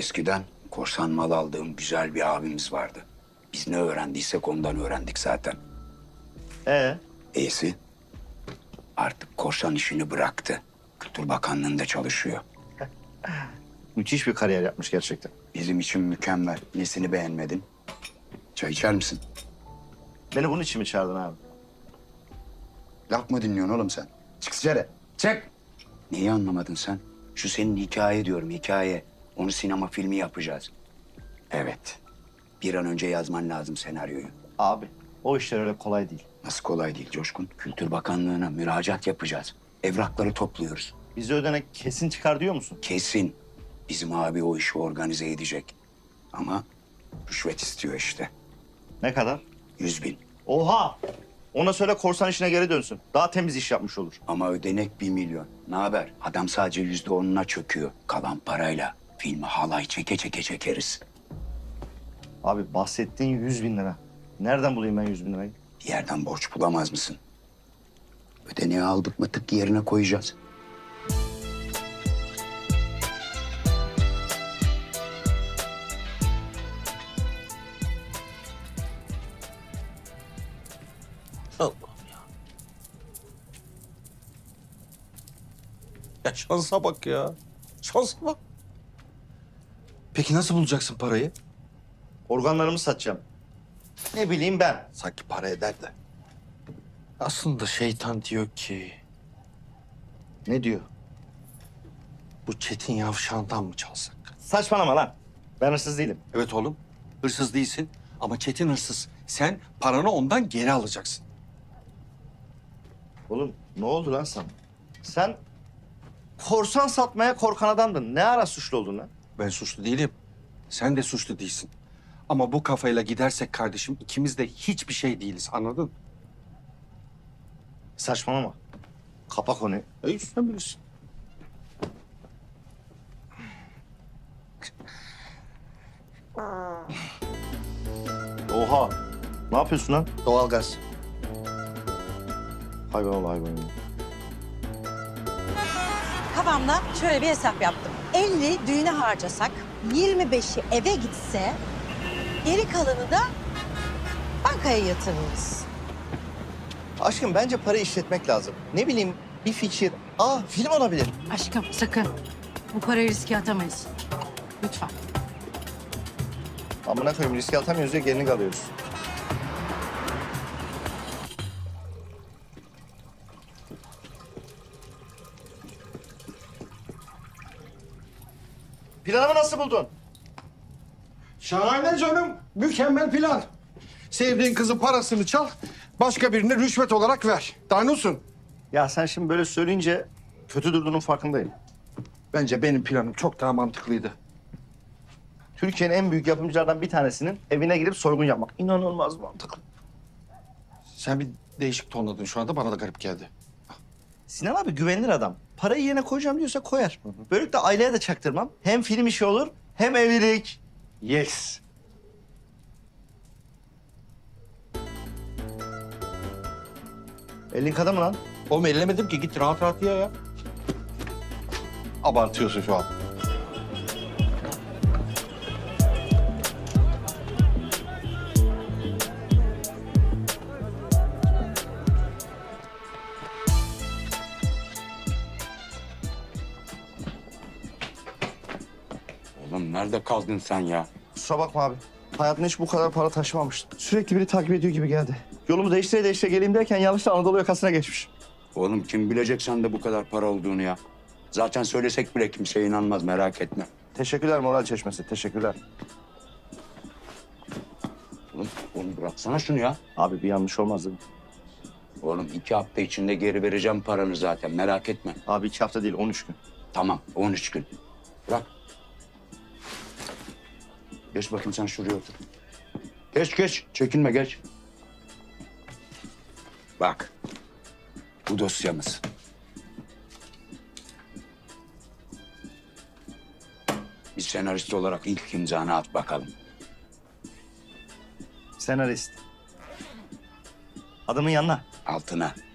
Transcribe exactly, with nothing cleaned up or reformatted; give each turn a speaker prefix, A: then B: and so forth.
A: Eskiden korsan mal aldığım güzel bir abimiz vardı. Biz ne öğrendiysek ondan öğrendik zaten.
B: Ee,
A: İyisi artık korsan işini bıraktı. Kültür Bakanlığı'nda çalışıyor.
B: müthiş bir kariyer yapmış gerçekten.
A: Bizim için mükemmel. Nesini beğenmedin? Çay içer misin?
B: Beni bunun için mi çağırdın abi?
A: Laf mı dinliyorsun oğlum sen? Çık dışarı. Çık. Neyi anlamadın sen? Şu senin hikaye diyorum, hikaye. Onu sinema filmi yapacağız. Evet. Bir an önce yazman lazım senaryoyu.
B: Abi, o işler öyle kolay değil.
A: Nasıl kolay değil Coşkun? Kültür Bakanlığı'na müracaat yapacağız. Evrakları topluyoruz.
B: Bize ödenek kesin çıkar diyor musun?
A: Kesin bizim abi o işi organize edecek. Ama rüşvet istiyor işte.
B: Ne kadar?
A: Yüz bin.
B: Oha! Ona söyle korsan işine geri dönsün. Daha temiz iş yapmış olur.
A: Ama ödenek bir milyon. Ne haber? Adam sadece yüzde onuna çöküyor. Kalan parayla filmi halay çeke çeke çekeriz.
B: Abi bahsettiğin yüz bin lira. Nereden bulayım ben yüz bin lirayı?
A: Bir yerden borç bulamaz mısın? Ödeneği aldık mı tık yerine koyacağız.
C: Allah'ım ya. Ya şansa bak ya. Şansa bak. Peki nasıl bulacaksın parayı?
B: Organlarımı satacağım. Ne bileyim ben.
C: Sanki para eder de. Aslında şeytan diyor ki...
B: Ne diyor?
C: Bu Çetin Yavşan'dan mı çalsak?
B: Saçmalama lan. Ben hırsız değilim.
C: Evet oğlum. Hırsız değilsin ama Çetin hırsız. Sen paranı ondan geri alacaksın.
B: Oğlum ne oldu lan sana? Sen korsan satmaya korkan adamdın. Ne ara suçlu oldun lan?
C: Ben suçlu değilim. Sen de suçlu değilsin. Ama bu kafayla gidersek kardeşim ikimiz de hiçbir şey değiliz, anladın?
B: Saçmalama. Kapa konuyu.
C: Ey sen bilirsin.
B: Oha. Ne yapıyorsun lan?
C: Doğalgaz.
B: Hayvan ol hayvan.
D: Kafamda şöyle bir hesap yaptım. elli düğüne harcasak, yirmi beşi eve gitse, geri kalanı da bankaya yatırırız.
B: Aşkım bence para işletmek lazım. Ne bileyim bir fikir. Aa film olabilir.
E: Aşkım sakın. Bu parayı riske atamayız. Lütfen.
B: Amına koyayım riske atamıyoruz ya gerini alıyoruz. Planımı nasıl buldun?
F: Şahane canım. Mükemmel plan. Sevdiğin kızın parasını çal, başka birine rüşvet olarak ver. Daha ne olsun?
B: Ya sen şimdi böyle söyleyince kötü durduğunun farkındayım.
F: Bence benim planım çok daha mantıklıydı.
B: Türkiye'nin en büyük yapımcılardan bir tanesinin evine girip soygun yapmak. İnanılmaz mantıklı.
C: Sen bir değişik tonladın şu anda, bana da garip geldi.
B: Sinan abi güvenilir adam. Parayı yerine koyacağım diyorsa koyar. Böylelikle aileye de çaktırmam. Hem film işi olur hem evlilik.
F: Yes.
B: Elin kadar mı lan?
C: Oğlum ellemedim ki, git rahat rahat ye ya.
F: Abartıyorsun şu an.
A: Oğlum nerede kaldın sen ya?
B: Kusura bakma abi. Hayatımda hiç bu kadar para taşımamıştım. Sürekli biri takip ediyor gibi geldi. Yolumu değiştire değiştire geleyim derken yanlışla Anadolu yakasına geçmiş.
A: Oğlum kim bilecek sende bu kadar para olduğunu ya? Zaten söylesek bile kimse inanmaz, merak etme.
B: Teşekkürler moral çeşmesi. Teşekkürler.
A: Oğlum, oğlum bıraksana şunu ya.
B: Abi bir yanlış olmaz değil mi?
A: Oğlum iki hafta içinde geri vereceğim paranı zaten, merak etme.
B: Abi iki hafta değil on üç gün.
A: Tamam, on üç gün. Bırak. Geç bakayım sen şuraya otur. Geç geç, çekinme geç. Bak, bu dosyamız. Bir senarist olarak ilk imzanı at bakalım.
B: Senarist. Adamın yanına.
A: Altına.